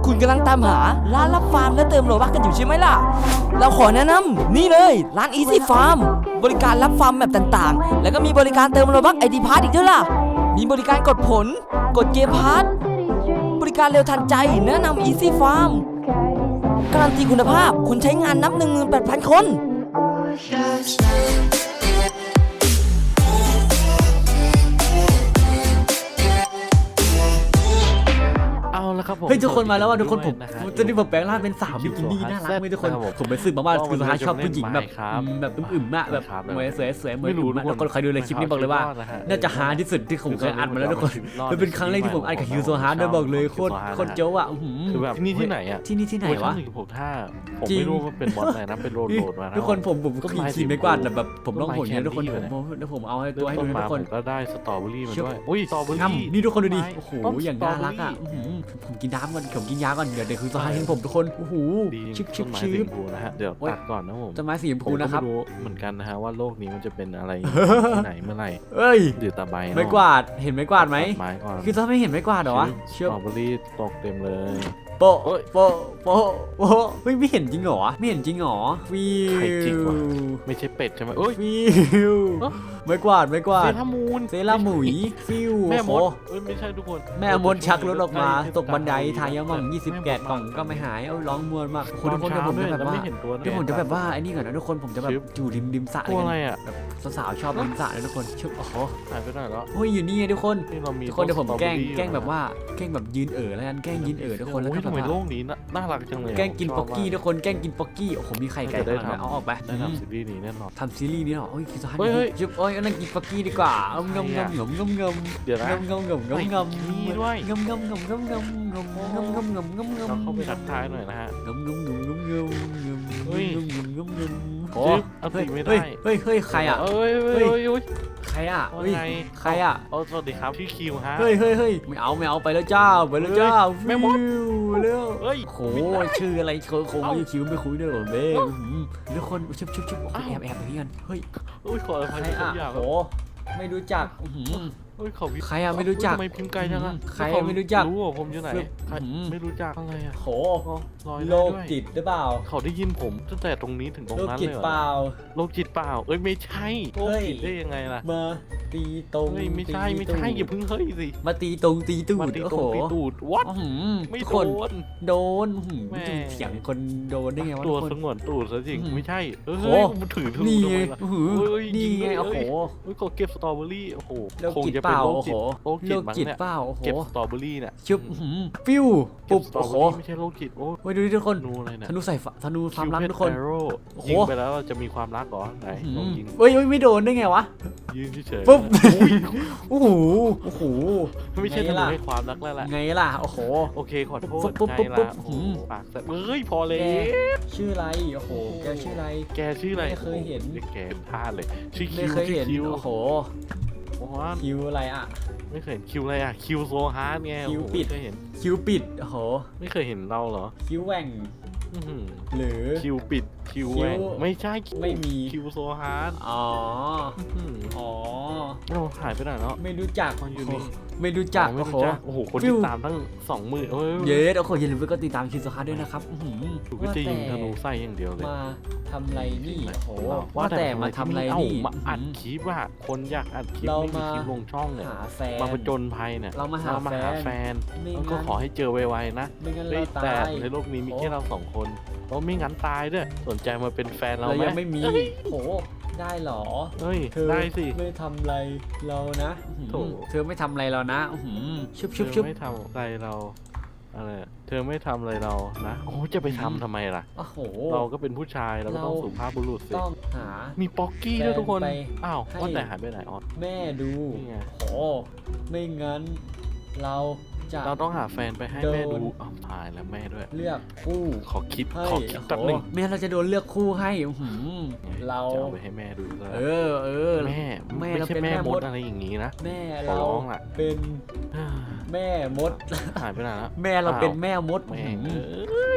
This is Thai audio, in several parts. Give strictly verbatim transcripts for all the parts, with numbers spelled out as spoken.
คุณกำลังตามหาร้านรับฟาร์มและเติมโลบัคกันอยู่ใช่ไหมล่ะเราขอแนะนำนี่เลยร้าน Easy Farm บริการรับฟาร์มแมปต่างๆแล้วก็มีบริการเติมโลบัค ไอ ดี Pass อีกด้วยล่ะมีบริการกดผลกดเกมพาร์ทบริการเร็วทันใจแนะนำ Easy Farm การันตีคุณภาพคนใช้งานนับ หนึ่งหมื่นแปดพัน คนเฮ้ยทุกคนมาแล้วว่ะทุกคนผมตอนนี้ผมแปลงร่างเป็นสาวบิกินี่น่ารักไหมทุกคนผมไปซื้อมาว่าคือสุดท้ายชอบผู้หญิงแบบแบบอึมๆอะแบบสวยสวยสวยเหมือนอึมๆทุกคนใครดูในคลิปนี้บอกเลยว่าน่าจะฮาที่สุดที่ผมเคยอัดมาแล้วทุกคนมันเป็นครั้งแรกที่ผมอัดกับฮิวโซฮาร์ดเลยบอกเลยโคตรโคตรเจ๋อว่ะคือแบบที่นี่ที่ไหนอะที่นี่ที่ไหนวะผมถ้าผมไม่รู้ว่าเป็นบอสไหนนะเป็นโรดโรดมาทุกคนผมผมก็ขี่ขี่ไม่กวาดแบบผมต้องผลเนี่ยทุกคนผมแล้วผมเอาให้ตัวให้ดูทุกคนก็ได้สตรอเบอรี่มาด้วยอุ้ยสตรอเบอรี่นี่ทุกคนดูดิโอ้โหอย่างน่ารักอ่ะผมกินน้ำก่อนผมกินยาก่อนเดี๋ยวเดี๋ยวคือสุดท้ายเห็นผมทุกคนโอ้โหชิบชิบชิบนะฮะเดี๋ยวตัดก่อนนะผมต้นไม้สีชมพูนะครับเหมือนกันนะฮะว่าโลกนี้มันจะเป็นอะไรไหนเมื่อไหร่เอ้ยเดือดตาใบไม่กวาดเห็นไม่กวาดไหมไม้ก่อนคือถ้าไม่เห็นไม่กวาดเหรอวะสตรอเบอรี่ตกเต็มเลยโปะโปะโปะโปะเฮ้ยไม่เห็นจริงเหรอไม่เห็นจริงเหรอฟิวไม่ใช่เป็ดใช่ไหมเอ้ยฟิวไม่กวาดไม่กวาดเซรามูนเซราหมุยฟิวแม่มดเอ้ยไม่ใช่ทุกคนแม่มดชักรถออกมาตกบันไดทายมั่งยี่สิบแกะกล่องก็ไม่หายเอ้าร้องมวนมากคนทุกคนจะผมจะแบบว่าที่ผมจะแบบว่าไอ้นี่ก่อนนะทุกคนผมจะแบบอยู่ริมริมสระเลยแบบสาวๆชอบริมสระเลยทุกคนชอบโอ้โหหายไปไหนแล้วเฮ้ยอยู่นี่ไงทุกคนทุกคนเดี๋ยวผมแกล้งแกล้งแบบว่าแกล้งแบบยืนเอ๋อแล้วกันแกล้งยืนเอ๋อทุกคนแล้วก็ทำไมโลกนี้น่ารักจังเลยแกล้งกินป๊อกกี้ทุกคนแกล้งกินป๊อกกี้โอ้โหมีไข่ไก่ได้ทำเอาออกไปได้ทำซีรีส์นี้แน่นอนทำซีรีส์นี้หรอโอ้ยคือจะให้จุ๊บโอ้ยนั่งกินป๊อกกี้ดีกว่าเอางมงมงมงมงมเดี๋ยวนะงมงมงมงมนี่ด้วยงมงมงมงมงมงมงมงมงมงมงมเราเข้าไปทักทายหน่อยนะฮะงมงมงมงมงมเฮ้ยงมงมงมโอ้เอาติไม่ได้เฮ้ยเฮ้ยใครอ่ะเฮ้ยเฮ้ยเฮ้ยใครอ่ะเฮ้ยใครอ่ะโอ้สวัสดีครับพี่คิวฮะเฮ้ยเฮ้ยเฮ้ยไม่เอาไม่เอาไปแล้วเจ้าไปแล้วเจ้าแม่มดเร็วเฮ้ยโหชื่ออะไรโคโคไม่คิวไม่คุยด้วยหรอเบ้ทุกคนชุบชุบชุบแอบแอบไปกันเฮ้ยโอ้ยขออภัยทุกอย่างโหไม่รู้จักเฮ้ยเขาใครอะไม่รู้จักทำไมพิมพ์ไกลจังอะใครไม่รู้จักรู้ว่าผมอยู่ไหนไม่รู้จักอะไรอะโหโลกจิตหรือเปล่าเขาได้ยินผมตั้งแต่ตรงนี้ถึงตรงนั้นเลยโลกจิตเปล่าโลกจิตเปล่าเอ้ยไม่ใช่โลกจิตได้ยังไงล่ะมาตีตรงไม่ใช่ไม่ใช่อย่าเพิ่งเฮ้ยสิมาตีตรงตีตูดโอ้โหตีตูดวัดไม่โดนโดนเสียงคนโดนได้ไงวะตัวสงวนตูดซะจริงไม่ใช่เออมันถือถือนี่ไงนี่ไงโอ้โหเฮ้ยเขาเก็บสตรอเบอรี่โอ้โหคงจะเป็นโลกจิตโลกจิตเปล่าเก็บสตรอเบอรี่เนี่ยชุบฟิวปุ๊บโอ้โหไม่ใช่โลกจิตโอ้ยดูดิทุกคนธนูใส่ธนูความรักทุกคนยิงไปแล้วจะมีความรักเหรอไหนลองยิงเฮ้ยไม่โดนได้ไงวะยืนเฉยปุ๊บโอ้โหโอ้โหไม่ใช่ธนูให้ความรักแล้วแหละไงล่ะโอ้โหโอเคขอโทษไงล่ะปากแต่เฮ้ยพอเลยชื่ออะไรโอ้โหแกชื่ออะไรแกชื่ออะไรไม่เคยเห็นแกพลาดเลยชื่อคิวไม่เคยเห็นโอ้โหคิวอะไรอ่ะไม่เคยเห็นคิวอะไรอ่ะคิวโซฮาร์ดไงคิวปิดเคยเห็นคิวปิดโอ้โหไม่เคยเห็นเราเหรอคิวแหว่งหรือคิวปิดคิวแหว่งไม่ใช่ไม่มีคิวโซฮาร์ดอ๋ออ๋อเราหายไปไหนแล้วไม่รู้จักมันอยู่นี่ไม่รู้จักโอ้โหโอ้โหคนติดตามตั้งสองหมื่นเย้โอ้โหอย่าลืมไปกดติดตามคิวโซฮาร์ดด้วยนะครับถูกจะยิงธนูไส้อย่างเดียวเลยมาทำไรนี่โอ้โหว่าแต่มาทำไรนี่มาอัดคลิปว่าคนอยากอัดคลิปไม่มีคลิปลงช่องเนี่ยมาผจญภัยเนี่ยเรามาหาแฟนแล้วก็ขอให้เจอไวๆนะแต่ในโลกนี้มีแค่เราสองคนเพราะไม่งั้นตายด้วยสนใจมาเป็นแฟนเราไหมยังไม่มีโอ้ได้หรอเฮ้ยได้สิไม่ทำอะไรเรานะเธอไม่ทำอะไรเรานะชุบชุบชุบไม่ทำอะไรเราอะไรเธอไม่ทำอะไรเรานะโอ้จะไปทำทำไมล่ะโอ้โหเราก็เป็นผู้ชายเราก็ต้องสุภาพบุรุษสิต้องหามีป๊อกกี้ด้วยทุกคนอ้าวว่าแต่หายไปไหนออสแม่ดูโอ้ไม่งั้นเราเราต้องหาแฟนไปให้แม่ดูอ้าวตายแล้วแม่ด้วยเลือกคู่ขอคิดขอคิดแป๊บนึงแม่เราจะโดนเลือกคู่ให้เราจะเอาไปให้แม่ดูเออเออแม่แม่ไม่ใช่แม่มดอะไรอย่างนี้นะแม่เราเป็นแม่มดหายไปไหนแล้วแม่เราเป็นแม่มดแม่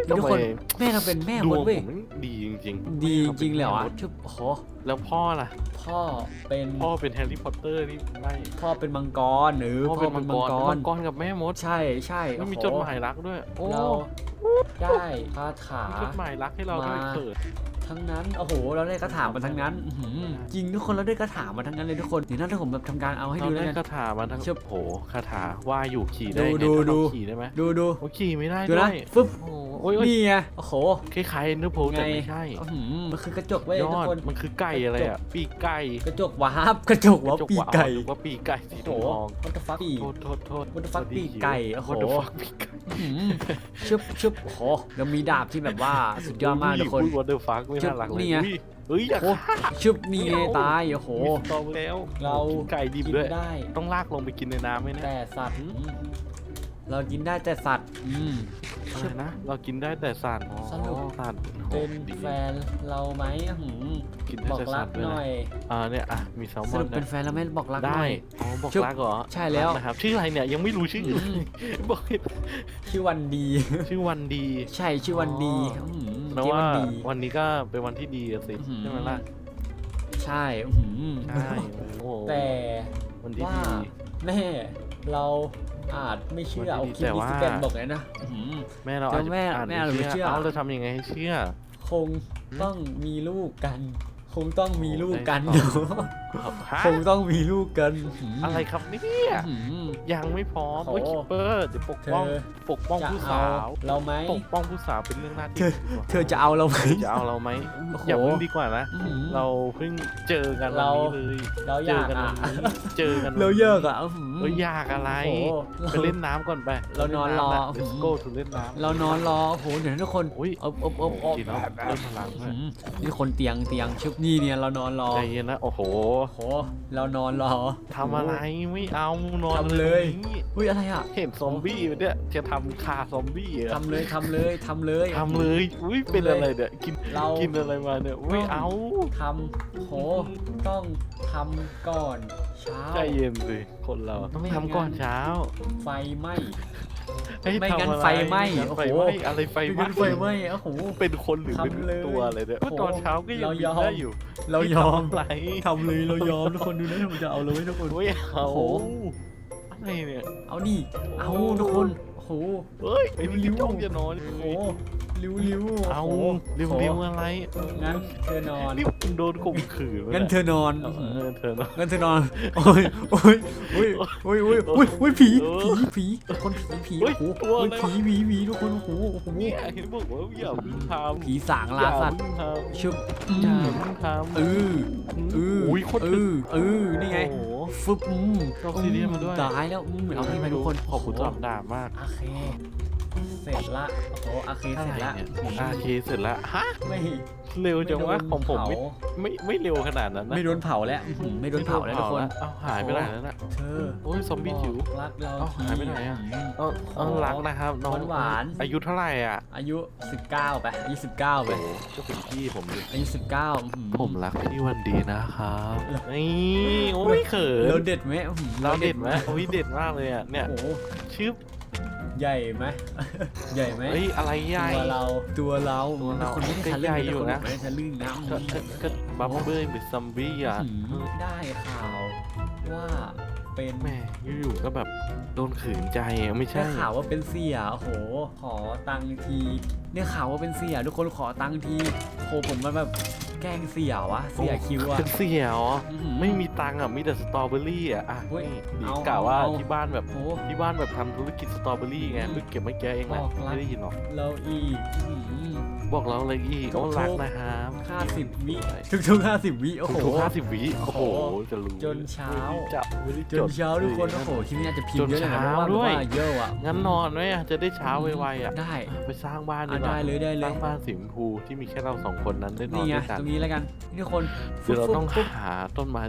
ทุกคนแม่เราเป็นแม่ดมวดงเว้ยผมดีจริงๆดีจริงๆเลยเหรอแม่มดชุบโอ้โหแล้วพ่อล่ะพ่อเป็นพ่อเป็นแฮร์รี่พอตเตอร์นี่ไม่พ่อเป็นมังกรหรือพ่อพ่อเป็นเป็มันงมังกกรรมังกรกับแม่มดใช่ใช่ไม่มีโอ้โหจดหมายรักด้วยโอ้เราได้คาถามีจดหมายรักให้เราด้วยมาเถิดทั้งนั้นโอ้โหเราได้คาถามาทั้งนั้นอื้อหือจริงทุกคนเราได้คาถามาทั้งนั้นเลยทุกคนเดี๋ยวนั้นถ้าผมแบบทำการเอาให้เราดูแล้วได้กันคาถามาทั้งเชิบโหคาถาว่าอยู่ขี่ได้ดูไงดูถ้าเราดูขี่ได้ไหมดูดูโอ้ขี่ไม่ได้ดูด้นะวยฟึบโอ้โอ้ยโอ้ยนี่ไงโอ้โหคล้ายๆเอ็นเดอร์โพลแต่ไม่ใช่อื้อหือมันคือกระจกเว้ยยทุอก ดคนมันคือไก่อะไรอ่ะปีกไก่กระจกวาร์ปกระจกวาร์ปปีกไก่หรือว่าปีกไก่สีโอ้โหทองมันจะฟักปีกโทษโทษโทษ What the fuck ปีกไก่โอ้โห What the fuck ปีกไก่อื้อหือชึบชึบโอ้โหเรามีดาบที่แบบว่าสุดยอดมากทุกคนพูด What the fuck ไม่น่ารักเลยนี่ไงอุ้ยเฮ้ยอยากโอ้ชึบนี่ไงตายโอ้โหมีสตอแล้วเรากินไก่ดิบกินด้วยได้ต้องลากลงไปกินในน้ำไหมเนี่ยแต่สัตว์อืมเรากินได้แต่สัตว์อืมอะไรนะ เรากินได้แต่สัตว์สรุปสัตว์เป็นดีแฟนเราไหมอื้อหือกินได้บอกแต่รัสักตว์ด้วยหน่นะอยอ่าเนี่ยอ่ะมีแซลมสอนรุปเป็นนะแฟนเราไหม่บอกรักหได้น่อยอ๋อบอกชุบรักเหรอใช่แล้วนะครับชื่ออะไรเนี่ยยังไม่รู้ชื่ออืมบอกให้ชื่อวันดีชื่อวันดีใช่ชื่อวันดีอ๋ออื้อหือแล้วเจ๊ว่าวันดีวันนี้ก็เป็นวันที่ดีอะสิอื้อหือใช่ไหมล่ะใช่อื้อหือใช่โอ้โหแต่วันที่ว่าดีแม่เราอาจไม่เชื่อวันเอาที่คลิปแต่นี้ว่าสแกนบอกเลยนะอื้อหือแม่เราแต่อาจจะแม่อ่านแม่เราไม่เชื่อเอาเราทำยังไงให้เชื่อคงต้องมีลูกกัน คงต้องมีลูกกันโอ้เดี๋ยวฮะคงต้องมีลูกกันอื้อหือะไรครับเนี่ยอื้อหือยังไม่พร้อมโอ้โอ้ยโหคิปเปอร์เดี๋ยวปกป้องเธอปกป้องจะผู้เอาสาวเราไหมปกป้องผู้สาวเป็นเรื่องหน้าที่เธอ เธอจะเอาเราไหมเธอจะเอาเราไหมโอ้โหอย่าเพิ่งดีกว่านะอื้อหือเราเพิ่งเจอกันวันเรานี้เลยเราอเจอยากกันอ่ะวันนี้เจอกันวันนี้เราเยอะอ่ะอื้อหือเอ้ยอยากอะไรโอ้โหไปเล่นน้ำก่อนไปเรานอนรอเล่ำะ Let's go to เล่นน้ำเรานอนรอโอ้โหเดี๋ยวนะทุกคนอุ้ยอบอบอบอบกินแล้วเริ่มพลังอื้อด้วยหือนี่คนเตียงเตียงชุบนี่เนี่ยเรานอนรอใจเย็นนะโอ้โหโอ้โหเรานอนรอทำอะไรไม่เอานอนทำเลยตรงนี้อุ้ยอะไรอ่ะเห็นซอมบี้ไหมเนี่ยจะทำคาซอมบี้เหรอทำเลยทำเลยทำเลยทำเลยอุ้ยเป็นอะไรเนี่ยกินเรากินอะไรมาเนี่ยไม่เอาทำโหต้องทำก่อนเช้าใจเย็นสิคนเราต้องไม่ทำก่อนเช้าไฟไหม้ให้ไม่งั้นทำอะรไฟไหม้งั้นโอ้โหไฟไหม้อะไรไฟไม่ไหม้งั้นไฟไหม้โอ้โหเป็นคนหรือเป็นทำเลยตัวอะไรเนี่ยโอ้โหเมื่อตอนเช้าก็ยังเราบิยนอมได้อยู่เรายอมทำอะไรทำเลยเรายอมทุกคนดูนะผมจะเอาเลยทุกคนไม่เอาโอ้โหอะไรเนี่ยเอานี่เอาทุกคนโอ้โหเฮ้ยไอ้ริ้ริ้ววจ้องจะนอนโอ้โหริ้วริ้วเอาโโหริ้วโอ้โหริ้วอะไรงั้นเธอนอนนี่คุณโดนข่มขืนงั้นเธอนอนเออเธอนอนงั้นเธอนอนโอ้ยโอ้ยโอ้ยโอ้ยโอ้ยโอ้ยโอ้ยผีเออผีผีคนผีผีเฮ้โอ้ยโหตัวอะไรโอ้ยผีผีผีทุกคนโอ้โหโอ้โหเนี่ยเห็นบอกว่าอย่าเพิ่งทำผีสางอลาย่าสัตว์เพิ่งทำชุบอือย่าม เพิ่งทำเออเอออุ้ยโคตรเอตึกอเออนี่ไงโอ้โหฟึบอืมออกซิเดียนมาด้วยตายแล้วอืมเอาที่ไปทุกคนขอบคุณสำหรับดาบมากโอเคเสร็จละโอ้โหโอเคเสร็จละเนี่ยอาเคเสร็จแล้วฮะไม่เร็วจังวะไโดนของผมไม่เผาไม่ไม่เร็วขนาดนั้นนะไม่โดนเผาแล้วอื้อหือไม่โดนเผาแล้วทุกคนเอาหายไปไหนแล้วน่ะเธอโอ้ยซอมบี้จิ๋วบอกรักเราเอ้าทีหายไปไหนอะ เอาเอารักนะครับน้องหวานๆอายุเท่าไหร่อ่ะอายุสิบเก้าไปอายุสิบเก้าไปโอ้โหก็เป็นพี่ผมดิอายุสิบเก้าอื้อหือผมรักพี่วันดีนะครับนี่โอ้ยเขิเรานเด็ดไหมอื้อหือเราเด็ดไหมโอ้ยเด็ดมากเลยอ่ะเนี่ยโอ้โหชื่อใหญ่ไหม ใหญ่ไหมเฮ้ยอะไรใหญ่ตัวเราตัวเราตัวเราคนไม่ได้ก็ทะลึ่ใหญ่งอยู่นะไม่ได้ทะลึ่งนะก็ก็ก็บับเบิ้ลเป็นซอมบี้อ่ะอื้อหือได้ข่าวว่าเป็นแหม่อยู่ๆก็แบบโดนขืนใจอะไม่ได้ใช่ข่าวว่าเป็นเสียโอ้โห ขอตังค์ทีได้ข่าวว่าเป็นเสียทุกคนขอตังค์ทีโหผมมันแบบแกล้งเสียวะเสียคิวอะเป็นเสียเหรออื้อหือไม่มีตังค์อ่ะมีแต่สตรอเบอรี่อ่ะอ่ะเฮ้ยนี่เอากล่าวว่าเอาที่บ้านแบบโหที่บ้านแบบทำธุรกิจสตรอเบอรี่ไงเพิ่งเก็บไม่แก้เองนะบอกรักไม่ได้ยินหรอกเราอีกอื้อหือบอกเราเลยอีกทุกว่ารักนะครับห้าสิบวิทุกๆห้าสิบวิโอ้โหทุกห้าสิบวิโอ้โหโอ้โหจะรู้จนเช้าไม่ได้จับไม่ได้จจนดเช้าทุกคนโอ้โหคลิปนี้อาจจะพิมจพ์นเยอะหน่อยนะเช้าเพราะว่าด้วยแบบว่าเยอะอ่ะงั้นนอนไหมอ่ะจะได้เช้าไวๆอ่ะได้ไปสร้างบ้านดีอ่ะกว่าได้เลยได้เลสร้าย งบ้านสีชมพูที่มีแค่เราสองคนนั้นได้นอนี่นไงด้วยกันตรงนี้แล้วกันนี่ทุกคนคือเราต้องฟุ๊บหาต้นไม้สีชมพู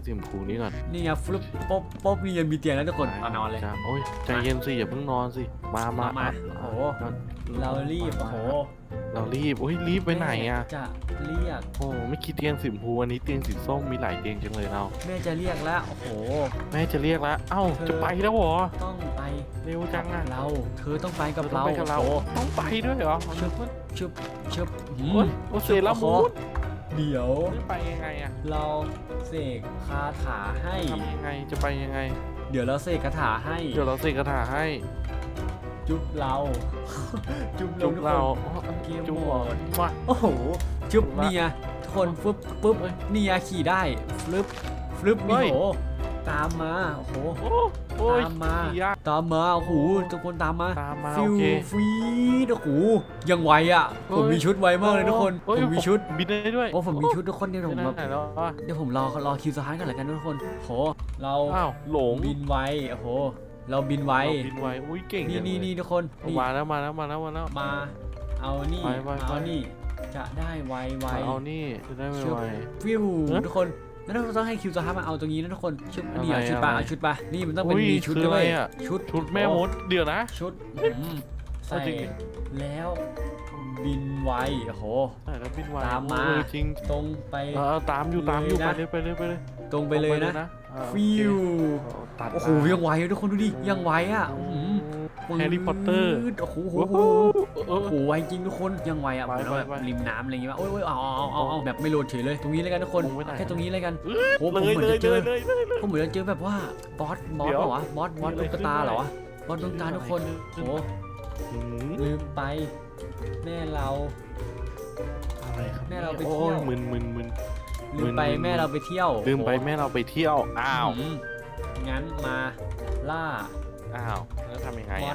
รงนี้ก่อนนี่ไงฟลุปป๊บป๊บนี่ยังมีเตียงแล้วทุกคนเอานอนเลยจ้ะโอ้ยใจเย็นสิอย่าเพิ่งนอนสิมามามาโอ้โหเรารีบโอ้โหเรารีบโอ้ยรีบไปไหนอ่ะจะเรียกโอ้ไม่คิดเตียงสีชมพูวันนี้เตียงสีส้มมีหลายเตียงจังเลยเราแม่จะเรียกแล้วโอ้โหแม่จะเรียกแล้วเอ้าจะไปแล้วเหรอต้องไปเร็วจังอ่ะเราเธอต้องไปกับต้อเรางไปกับเราโอ้โหต้องไปด้วยเหรอชึบชึบชึบหืโอ้มยโอเซรามูนเดี๋ยวจะไปยังไงอ่ะเราเสกคาถาให้ทำยังไงจะไปยังไงเดี๋ยวเราเสกคาถาให้เดี๋ยวเราเสกคาถาให้จุ๊บเรา จุ๊บจุกเราทุกคนเกมจุกหมดมาโอ้โห จุ๊บละนี่ไงทุกคนฟึบปึ๊บนี่ไงขี่ได้ฟลึบฟลึบเฮ้นี่ยโหตามมาโอ้โหโอ้โอ้ยตามมาขี่ยากตามมาโอ้โหทุกคนตามมาตามมาฟิโอวเคฟีดโอ้โหยังไวอ่ะเฮ้ยผมมีชุดไวมากเลยทุกคนโอ้ยผมมีชุดบินได้ด้วยโอ้ผมมีชุดทุกคนเดี๋ยวผมนั่แบบนไหนแล้วอ่ะเดี๋ยวผมรอรอคิวสหายกันแล้วกันทุกคนโหเราอ้าวหลงบินไวโอ้โหเราบินไวเราบินไวอุ้ยเก่งนี่จังนี่เลยนี่ทุกคนนี่มาแล้วมาแล้วมาแล้วมาแล้วมาเอานี่ไปไปเอาไปนี่จะได้ไวไวมาเอานี่จะได้ไวชุบไวฟิวเอ๊ะทุกคนแล้วเราต้องให้คิวสหายมาเอาตรงนี้นะทุกคนชุดอันนี้เอาอะไรชุดปะอะไรเอาชุดปะนี่มันต้องเป็นอุ้ยมีชุดคือด้วยอะไรอะชุดชุดแม่มดเดี๋ยวนะชุดอืมใส่เอาจริงแล้วบินไวโอ้โหใช่แล้วบินไวตามมาเออจริงตรงไปเออตามอยู่ตามอยู่เลยไปนะเลยไปเลยไปเลยตรงไปเลยนะเออโอเคฟิวตัดโอ้โหมายังไวเลยทุกคนดูดิยังไวอ่ะอื้อหือแฮร์รี่พอตเตอร์โอ้โหโอ้โหเอโอ้อโหไวจริงทุกคนยังไวอ่ะไปเหมือนแบบไปไปริมน้ำอะไรอย่างเงี้ยโอ้ยโอ้ยเอาเอาเอาเอาแบบไม่โหลดเฉยเลยตรงนี้เลยกันทุกคนลงไปไหนแค่ตรงนี้เลยกันเอโอ้อผมเลยเหมือนเลยจะเจเลอยเลยเลยเลยผมเหมือนจะเจอแบบว่าบอสบอสเดี๋ยวเหรอวะบอสบอสมีตุ๊อะไรกตาขึ้นเหรอด้วยวะบอสตุ๊กตาทุกคนมีโอ้อะไรขึ้นโหอืมลืมไป แม่เราอะไรครับแม่เราไปโอ้เที่ยวยมึนมึนมึนลืมไปมึนๆแม่เราไปเที่ยวลืมไปโอ้โหแม่เราไปเที่ยวอ้าวอืมงั้นมาล่าอ้าวแล้วทำยังไงมออ่ะน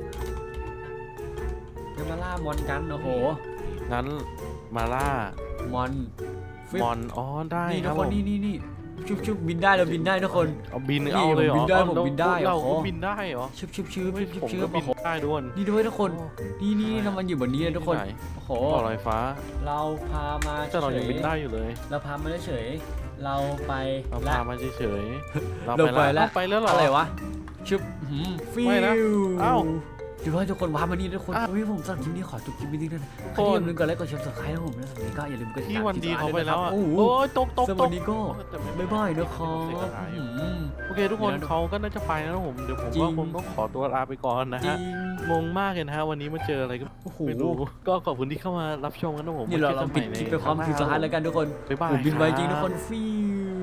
จะมาล่ามอนกันโอ้โหงั้นมาล่ามอนฟิปมอนอ๋อได้นี่คทุรักบคผนมนี่นี่นี่ชุบชุบบินได้เราบินได้ทุกคนเอาบินนี่เอาเลยเหรอผมบินได้เอาผมเราบินได้เราโอ้โหก็บินได้เหรอชุบชุบชุบชุบชุบผมชุก็บบิโอ้นโหได้ด้วยนี่ด้วยทุกคนโอ้นี่นี่เรามันอยู่บนนี้เลยทุกคนที่ไหโอ้โหต่อลอยฟ้าเราพามาแต่เรายังบินได้อยู่เลยเราพามาเฉยๆเราไปเราและพามาเฉยๆเราเราไปไปแล้แล้ว วไปแล้วเหรออะไรวะชุบหืมฟิไม่นะวเอ้าเดี๋ยวให้ทุกคนว้ามานี่ทุกคนอ้าวเฮ้ยผมสำหรับคลิปนี้ขอจบคลิปนี้ด้วยนะใครโอ้ที่อย่าลืมกดไลค์กดแชร์กดซับสไครต์นะผมนะสำหรับวันนี้ก็อย่าลืมกดติดที่ตามวันดีเขาไปด้วยแล้วนะครับอ่ะโอ้โหโอ้ยตกตกสำหรับตวักนนี้ก็แต่ไม่บ๊ายบายนะครัเสียบดายอืมโอเคทุกคนเดี๋ยวนะเขาก็น่าจะไปแล้วนะผมเดี๋ยวผมจริงว่าผมต้องขอตัวลาไปก่อนนะจริฮะงงงมากเลยนะฮะวันนี้มาเจออะไรก็โอ้โหไม่รู้ก็ขอบคุณที่เข้ามารับชมกันนะผมนี่เราไว้จเราอกันปิดใหม่คลิปไปพร้อมในคลิปสุดท้ายแล้วกันทุกคนบ๊ายบายผมบินไวจริงคทุบกคนฟิว